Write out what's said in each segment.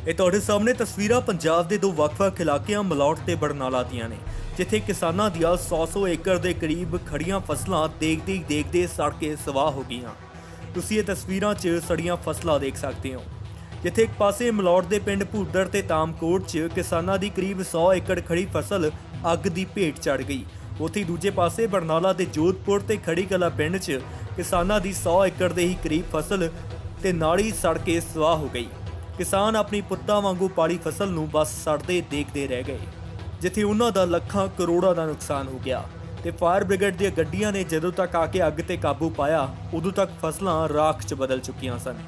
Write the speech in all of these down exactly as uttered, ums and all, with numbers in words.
ਇਹ ਤੁਹਾਡੇ ਸਾਹਮਣੇ ਤਸਵੀਰਾਂ ਪੰਜਾਬ ਦੇ ਦੋ ਵੱਖ-ਵੱਖ ਇਲਾਕਿਆਂ ਮਲੌਟ ਤੇ ਬਰਨਾਲਾ ਦੀਆਂ ਨੇ, ਜਿੱਥੇ ਕਿਸਾਨਾਂ ਦੀਆਂ ਸੌ ਸੌ ਏਕੜ ਦੇ ਕਰੀਬ ਖੜੀਆਂ ਫਸਲਾਂ ਦੇਖਦੇ ਹੀ ਦੇਖਦੇ ਸੜ ਕੇ ਸਵਾਹ ਹੋ ਗਈਆਂ। ਤੁਸੀਂ ਇਹ ਤਸਵੀਰਾਂ 'ਚ ਸੜੀਆਂ ਫਸਲਾਂ ਦੇਖ ਸਕਦੇ ਹੋ, ਜਿੱਥੇ ਇੱਕ ਪਾਸੇ ਮਲੌਟ ਦੇ ਪਿੰਡ ਭੂਦੜ ਤੇ ਤਾਮਕੋਟ 'ਚ ਕਿਸਾਨਾਂ ਦੀ ਕਰੀਬ ਸੌ ਏਕੜ ਖੜੀ ਫਸਲ ਅੱਗ ਦੀ ਭੇਟ ਚੜ ਗਈ। ਉੱਥੇ ਦੂਜੇ ਪਾਸੇ ਬਰਨਾਲਾ ਦੇ ਜੋਧਪੁਰ ਤੇ ਖੜੀ ਕਲਾ ਪਿੰਡ 'ਚ ਕਿਸਾਨਾਂ ਦੀ ਸੌ ਏਕੜ ਦੇ ਹੀ ਕਰੀਬ ਫਸਲ ਤੇ ਨਾੜੀ ਸੜ ਕੇ ਸਵਾਹ ਹੋ ਗਈ। ਕਿਸਾਨ ਆਪਣੀ ਪੁੱਤਾਂ ਵਾਂਗੂ ਪਾਲੀ ਫਸਲ ਨੂੰ ਬਸ ਸੜਦੇ ਦੇਖਦੇ ਰਹਿ ਗਏ, ਜਿੱਥੇ ਉਹਨਾਂ ਦਾ ਲੱਖਾਂ ਕਰੋੜਾਂ ਦਾ ਨੁਕਸਾਨ ਹੋ ਗਿਆ। ਤੇ ਫਾਇਰ ਬ੍ਰਿਗੇਡ ਦੀਆਂ ਗੱਡੀਆਂ ਨੇ ਜਦੋਂ ਤੱਕ ਆ ਕੇ ਅੱਗ ਤੇ ਕਾਬੂ ਪਾਇਆ, ਉਦੋਂ ਤੱਕ ਫਸਲਾਂ ਰਾਖ 'ਚ ਬਦਲ ਚੁੱਕੀਆਂ ਸਨ।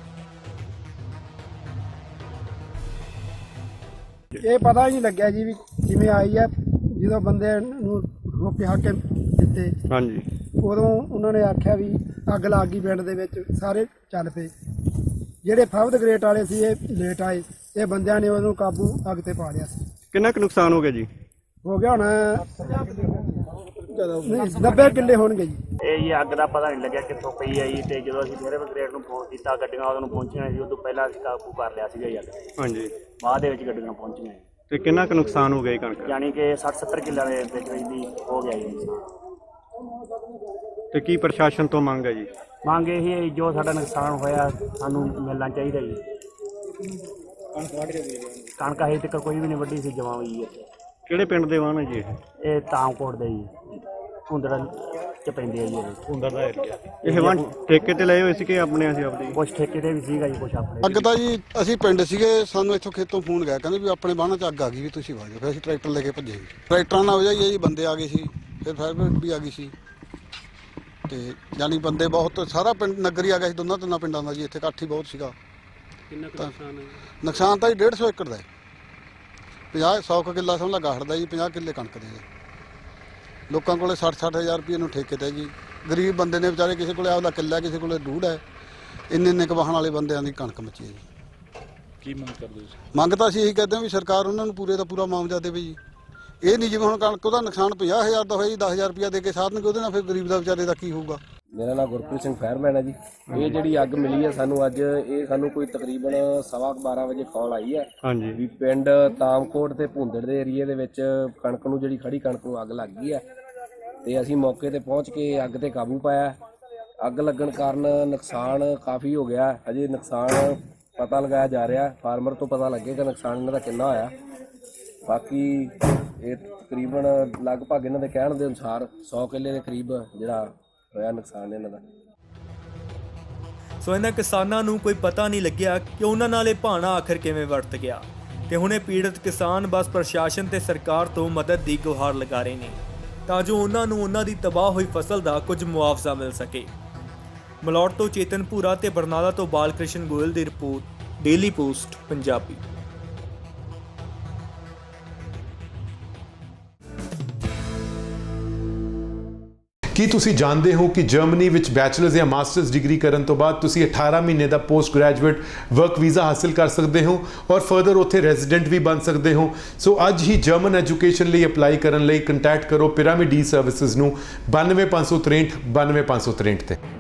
ਇਹ ਪਤਾ ਹੀ ਨਹੀਂ ਲੱਗਿਆ ਜੀ ਵੀ ਕਿਵੇਂ ਆਈ ਹੈ। ਜਦੋਂ ਬੰਦੇ ਨੂੰ ਰੋਕੇ ਹਾਕੇ ਦਿੱਤੇ, ਹਾਂਜੀ, ਉਦੋਂ ਉਹਨਾਂ ਨੇ ਆਖਿਆ ਵੀ ਅੱਗ ਲੱਗ ਗਈ ਪਿੰਡ ਦੇ ਵਿੱਚ। ਸਾਰੇ ਚੱਲ ਪਏ। ਜਿਹੜੇ ਫਾਇਰ ਗ੍ਰੇਟ ਵਾਲੇ ਸੀ ਇਹ ਲੇਟ ਆਏ। ਇਹ ਬੰਦਿਆਂ ਨੇ ਉਹਨੂੰ ਕਾਬੂ ਅੱਗ ਤੇ ਪਾ ਲਿਆ ਸੀ। ਕਿੰਨਾ ਕੁ ਨੁਕਸਾਨ ਹੋ ਗਿਆ ਜੀ? ਹੋ ਗਿਆ ਹੁਣ ਨੱਬੇ ਕਿੱਲੇ ਹੋਣਗੇ ਜੀ। ਇਹ ਜੀ ਅੱਗ ਦਾ ਪਤਾ ਨਹੀਂ ਲੱਗਿਆ ਕਿੱਥੋਂ ਪਈ ਆ ਜੀ। ਤੇ ਜਦੋਂ ਅਸੀਂ ਫਾਇਰ ਬ੍ਰਿਗੇਡ ਨੂੰ ਫੋਨ ਕੀਤਾ, ਗੱਡੀਆਂ ਉਹਨੂੰ ਪਹੁੰਚੀਆਂ ਸੀ। ਉਦੋਂ ਪਹਿਲਾਂ ਅਸੀਂ ਕਾਬੂ ਕਰ ਲਿਆ ਸੀਗਾ ਜੀ ਅੱਗ। ਹਾਂਜੀ, ਬਾਅਦ ਦੇ ਵਿੱਚ ਗੱਡੀਆਂ ਪਹੁੰਚੀਆਂ। ਤੇ ਕਿੰਨਾ ਕੁ ਨੁਕਸਾਨ ਹੋ ਗਿਆ ਕਣਕ? ਯਾਨੀ ਕਿ ਸੱਠ ਸੱਤਰ ਕਿੱਲਿਆਂ ਦੇ ਵਿੱਚ ਵਿੱਚ ਦੀ ਹੋ ਗਿਆ ਜੀ ਨੁਕਸਾਨ। ਤੇ ਕੀ ਪ੍ਰਸ਼ਾਸਨ ਤੋਂ ਮੰਗ ਹੈ ਜੀ? ਮੰਗ ਇਹ ਹੀ ਹੈ ਜੀ, ਜੋ ਸਾਡਾ ਨੁਕਸਾਨ ਹੋਇਆ ਸਾਨੂੰ ਮਿਲਣਾ ਚਾਹੀਦਾ ਜੀ। ਕਣਕ ਹਜੇ ਤੱਕ ਕੋਈ ਵੀ ਨਹੀਂ ਵੱਢੀ ਸੀ, ਜਮਾਂ ਹੋਈ ਹੈ। ਕਿਹੜੇ ਪਿੰਡ ਦੇ ਵਾਹਨ ਹੈ ਜੀ ਇਹ? ਇਹ ਤਾਮਕੋਟ ਦੇ ਜੀ, ਭੁੰਦੜ ਚ ਪੈਂਦੇ ਆ ਜੀ। ਇਹ ਭੁੰਦੜ ਦਾ ਏਰੀਆ। ਇਹ ਵਾਹਨ ਠੇਕੇ ਤੇ ਲਏ ਹੋਏ ਸੀ ਕਿ ਆਪਣੇ ਸੀ ਆਪਦੇ? ਕੁਛ ਠੇਕੇ ਤੇ ਵੀ ਸੀਗਾ ਜੀ, ਕੁਛ ਆਪਣੇ। ਅੱਗ ਤਾਂ ਜੀ ਅਸੀਂ ਪਿੰਡ ਸੀਗੇ, ਸਾਨੂੰ ਇੱਥੋਂ ਖੇਤੋਂ ਫੋਨ ਗਿਆ, ਕਹਿੰਦੇ ਵੀ ਆਪਣੇ ਬਾਹਨਾਂ 'ਚ ਅੱਗ ਆ ਗਈ ਵੀ ਤੁਸੀਂ ਵਗ ਜਾਓ। ਫਿਰ ਅਸੀਂ ਟਰੈਕਟਰ ਲੈ ਕੇ ਭੱਜੇ। ਟਰੈਕਟਰਾਂ ਨਾਲ ਵਜਾਈ ਜੀ, ਬੰਦੇ ਆ ਗਏ ਸੀ। ਫਿਰ ਫਾਇਰ ਬ੍ਰਿਗੇਡ ਵੀ ਆ ਗਈ ਸੀ। ਤੇ ਯਾਨੀ ਬੰਦੇ ਬਹੁਤ, ਸਾਰਾ ਪਿੰਡ ਨਗਰ ਹੀ ਆ ਗਿਆ ਸੀ, ਦੋਨਾਂ ਤਿੰਨਾਂ ਪਿੰਡਾਂ ਦਾ ਜੀ। ਇੱਥੇ ਇਕੱਠ ਹੀ ਬਹੁਤ ਸੀਗਾ। ਕਿੰਨਾ ਕੁ ਨੁਕਸਾਨ ਹੈ? ਨੁਕਸਾਨ ਤਾਂ ਜੀ ਡੇਢ ਸੌ ਏਕੜ ਦਾ ਹੈ। ਪੰਜਾਹ ਸੌ ਕੁ ਕਿੱਲਾ ਸਮਝ ਲਾ ਗਾਹੜ ਦਾ ਜੀ, ਪੰਜਾਹ ਕਿੱਲੇ ਕਣਕ ਦੇ। ਲੋਕਾਂ ਕੋਲੇ ਸੱਠ ਸੱਠ ਹਜ਼ਾਰ ਰੁਪਏ ਨੂੰ ਠੇਕੇ ਤੇ ਜੀ। ਗਰੀਬ ਬੰਦੇ ਨੇ ਵਿਚਾਰੇ, ਕਿਸੇ ਕੋਲੇ ਆਪਦਾ ਕਿੱਲਾ, ਕਿਸੇ ਕੋਲੇ ਡੂਢ ਹੈ। ਇੰਨੇ ਇੰਨੇ ਕੁ ਵਾਹਣ ਵਾਲੇ ਬੰਦਿਆਂ ਦੀ ਕਣਕ ਮੱਚੀ ਹੈ ਜੀ। ਕੀ ਮੰਗ ਕਰਦੇ ਸੀ? ਮੰਗ ਤਾਂ ਅਸੀਂ ਇਹੀ ਕਰਦੇ ਹਾਂ ਵੀ ਸਰਕਾਰ ਉਹਨਾਂ ਨੂੰ ਪੂਰੇ ਦਾ ਪੂਰਾ ਮੁਆਵਜ਼ਾ ਦੇਵੇ ਜੀ। ਇਹ ਨਹੀਂ ਜਿਵੇਂ ਹੁਣ ਕਣਕ ਉਹਦਾ ਨੁਕਸਾਨ ਪੰਜਾਹ ਹਜ਼ਾਰ ਦਾ ਹੋਇਆ ਜੀ, ਦਸ ਹਜ਼ਾਰ ਰੁਪਇਆ ਦੇ ਕੇ ਸਾਧਨਗੇ, ਉਹਦੇ ਨਾਲ ਫਿਰ ਗਰੀਬ ਦਾ ਵਿਚਾਰੇ ਦਾ ਕੀ ਹੋਊਗਾ। ਮੇਰਾ ਨਾਮ ਗੁਰਪ੍ਰੀਤ ਸਿੰਘ ਫਾਇਰਮੈਨ ਹੈ ਜੀ। ਇਹ ਜਿਹੜੀ ਅੱਗ ਮਿਲੀ ਹੈ ਸਾਨੂੰ ਅੱਜ, ਇਹ ਸਾਨੂੰ ਕੋਈ ਤਕਰੀਬਨ ਸਵਾ ਬਾਰਾਂ ਵਜੇ ਕਾਲ ਆਈ ਹੈ। ਹਾਂਜੀ, ਵੀ ਪਿੰਡ ਤਾਮਕੋਟ ਤੇ ਭੁੰਦੜ ਦੇ ਏਰੀਏ ਦੇ ਵਿੱਚ ਕਣਕ ਨੂੰ, ਜਿਹੜੀ ਖੜੀ ਕਣਕ ਨੂੰ ਅੱਗ ਲੱਗ ਗਈ ਹੈ। ਤੇ ਅਸੀਂ ਮੌਕੇ ਤੇ ਪਹੁੰਚ ਕੇ ਅੱਗ ਤੇ ਕਾਬੂ ਪਾਇਆ। ਅੱਗ ਲੱਗਣ ਕਾਰਨ ਨੁਕਸਾਨ ਕਾਫੀ ਹੋ ਗਿਆ। ਅਜੇ ਨੁਕਸਾਨ ਪਤਾ ਲਗਾਇਆ ਜਾ ਰਿਹਾ, ਫਾਰਮਰ ਤੋਂ ਪਤਾ ਲੱਗੇਗਾ ਨੁਕਸਾਨ ਇਹਨਾਂ ਦਾ ਕਿੰਨਾ ਹੋਇਆ। ਬਾਕੀ ਇਹ ਤਕਰੀਬਨ ਲਗਭਗ ਇਹਨਾਂ ਦੇ ਕਹਿਣ ਦੇ ਅਨੁਸਾਰ ਸੌ ਕਿੱਲੇ ਦੇ ਕਰੀਬ ਜਿਹੜਾ ਹੋਇਆ ਨੁਕਸਾਨ ਇਹਨਾਂ ਦਾ। ਸੋ ਇਹਨਾਂ ਕਿਸਾਨਾਂ ਨੂੰ ਕੋਈ ਪਤਾ ਨਹੀਂ ਲੱਗਿਆ ਕਿ ਉਹਨਾਂ ਨਾਲ ਇਹ ਭਾਣਾ ਆਖਰ ਕਿਵੇਂ ਵਰਤ ਗਿਆ। ਤੇ ਹੁਣ ਇਹ ਪੀੜਤ ਕਿਸਾਨ ਬਸ ਪ੍ਰਸ਼ਾਸਨ ਤੇ ਸਰਕਾਰ ਤੋਂ ਮਦਦ ਦੀ ਗੁਹਾਰ ਲਗਾ ਰਹੇ ਨੇ, ਤਾਂ ਜੋ ਉਹਨਾਂ ਨੂੰ ਉਹਨਾਂ ਦੀ ਤਬਾਹ ਹੋਈ ਫਸਲ ਦਾ ਕੁਝ ਮੁਆਵਜ਼ਾ ਮਿਲ ਸਕੇ। ਮਲੌਟ ਤੋਂ ਚੇਤਨ ਭੂਰਾ ਤੇ ਬਰਨਾਲਾ ਤੋਂ ਬਾਲਕ੍ਰਿਸ਼ਨ ਗੋਇਲ ਦੀ ਰਿਪੋਰਟ, ਡੇਲੀ ਪੋਸਟ ਪੰਜਾਬੀ। ਕੀ ਤੁਸੀਂ ਜਾਣਦੇ ਹੋ ਕਿ ਜਰਮਨੀ ਵਿੱਚ ਬੈਚਲਰਸ ਜਾਂ ਮਾਸਟਰਸ ਡਿਗਰੀ ਕਰਨ ਤੋਂ ਬਾਅਦ ਤੁਸੀਂ ਅਠਾਰਾਂ ਮਹੀਨੇ ਦਾ ਪੋਸਟ ਗ੍ਰੈਜੂਏਟ ਵਰਕ ਵੀਜ਼ਾ ਹਾਸਿਲ ਕਰ ਸਕਦੇ ਹੋ ਔਰ ਫਰਦਰ ਉੱਥੇ ਰੈਜ਼ੀਡੈਂਟ ਵੀ ਬਣ ਸਕਦੇ ਹੋ। ਸੋ ਅੱਜ ਹੀ ਜਰਮਨ ਐਜੂਕੇਸ਼ਨ ਲਈ ਅਪਲਾਈ ਕਰਨ ਲਈ ਕੰਟੈਕਟ ਕਰੋ ਪਿਰਾਮਿਡ ਈ ਸਰਵਿਸਿਜ਼ ਨੂੰ ਬਾਨਵੇਂ ਪੰਜ ਸੌ ਤ੍ਰੇਹਠ ਬਾਨਵੇਂ ਪੰਜ ਸੌ ਤ੍ਰੇਹਠ ਤੇ।